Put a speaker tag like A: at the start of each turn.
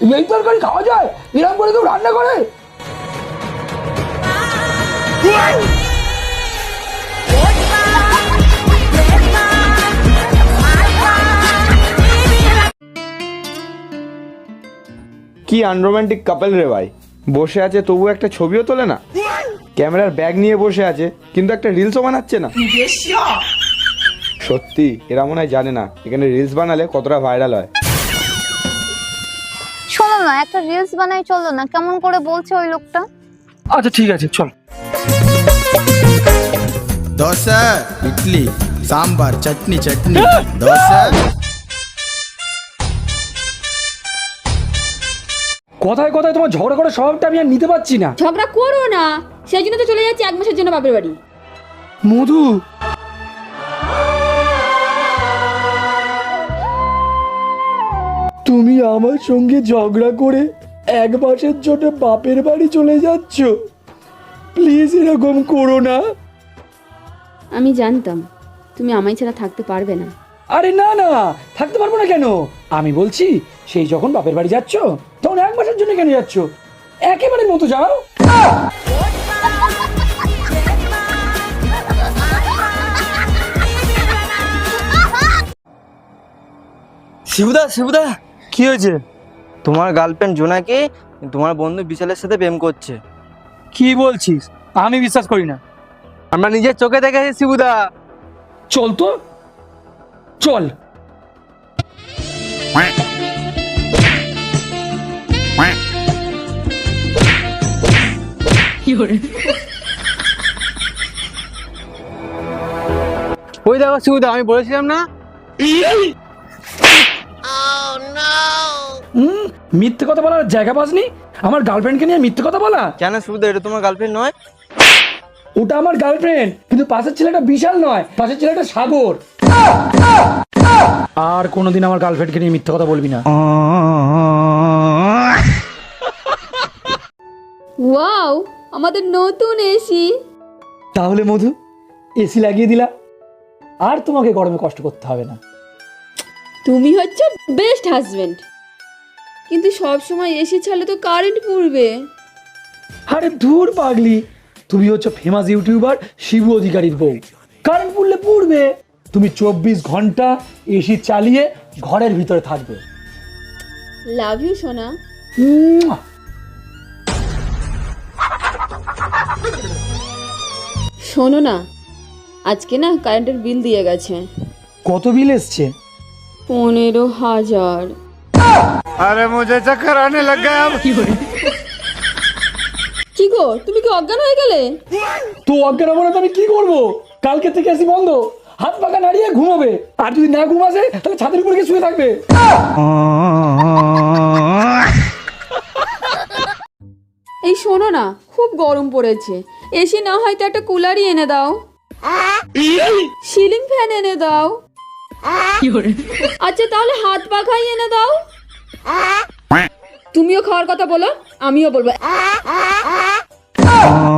A: এই তরকারি খাওয়া যায়? এরকম করে কেউ রান্না করে?
B: কি আনরোম্যান্টিক কাপল রে ভাই, বসে আছে তবু একটা ছবিও তোলে না, ক্যামেরার ব্যাগ নিয়ে বসে আছে কিন্তু একটা রিলসও বানাচ্ছে না। সত্যি এরা মনে হয় জানে না এখানে রিলস বানালে কতটা ভাইরাল হয়।
C: শোনো না, একটা রিলস বানাই চলো না, কেমন করে বলছে ওই লোকটা।
A: আচ্ছা ঠিক আছে চল।
D: দোসা, ইডলি, সাম্বার, চটনি চটনি, দোসা।
A: কথায় কথায় তোমার ঝগড়া করার স্বভাবটা আমি আর নিতে পারছি না।
E: ঝগড়া করো না, সেই জন্য তো চলে যাচ্ছি 1 মাসের জন্য বাপের বাড়ি।
A: মধু, তুমি আমার সঙ্গে ঝগড়া করে 1 মাসের জন্য বাপের বাড়ি চলে যাচ্ছ? প্লিজ এরকম করো না।
E: আমি জানতাম তুমি আমায় ছাড়া থাকতে পারবে না।
A: আরে না না, থাকতে পারবো না কেন? আমি বলছি সেই যখন বাপের বাড়ি যাচ্ছ তখন 1 মাসের জন্য কেন যাচ্ছ? একেবারে মতো যাও।
F: শিবুদা শিবুদা, কি হয়েছে? তোমার গার্লফ্রেন্ড জোনাকি তোমার বন্ধু বিশালের সাথে প্রেম করছে।
A: কি বলছিস? আমি বিশ্বাস করি না।
F: আমরা নিজের চোখে দেখেছি শিবুদা।
A: চল তো, চল।
F: ওই দেখো শিবুদা, আমি বলেছিলাম না?
A: মিথ্যে কথা বলার জায়গা পাসনি? আমার গার্লফ্রেন্ডকে নিয়ে মিথ্যে কথা বলা?
F: কেন শিবুদা, এটা তোমার গার্লফ্রেন্ড নয়?
A: ওটা আমার গার্লফ্রেন্ড, কিন্তু পাশের ছেলেটা বিশাল নয়, পাশের ছেলেটা সাগর। আর কোনোদিন আমার গার্লফ্রেন্ডকে নিয়ে মিথ্যে কথা বলবি না।
E: ওয়াও, আমাদের নতুন এসি।
A: তাহলে মধু, এসি লাগিয়ে দিলা, আর তোমাকে গরমে কষ্ট করতে হবে না।
E: তুমি হচ্ছে বেস্ট হাজবেন্ড, কিন্তু সব সময় এসি ছাড়লে তো কারেন্ট পুড়বে।
A: আরে ধুর পাগলি, তুমি হচ্ছে ফেমাস ইউটিউবার শিবু অধিকারীর বউ, কারেন্ট পুড়লে পুড়বে। তুমি 24 ঘন্টা এসি চালিয়ে ঘরের ভিতরে থাকবে।
E: লাভ ইউ সোনা।
A: মুয়া।
E: শোনো না, আজকে না কারেন্টের বিল দিয়ে গেছে।
A: কত বিল এসছে?
E: 15,000।
D: আরে মুঝে চক্কর আনে লগ গয়া।
E: কি গো, তুমি কি অজ্ঞান হয়ে গেলে?
A: তো অজ্ঞান হবো না তো আমি কি করবো? কালকে থেকে এসি বন্ধ, হাত পাকা নাড়িয়ে ঘুমাবে, আর যদি না ঘুমাসে তাহলে ছাদের উপরে গিয়ে শুয়ে থাকবে।
E: এই শোনো না, খুব গরম পড়েছে, এসি না হয়তো একটা কুলারই এনে দাও, সিলিং ফ্যান এনে দাও। আচ্ছা তাহলে হাত পাখাই এনে দাও। তুমিও খাওয়ার কথা বলো, আমিও বলবো।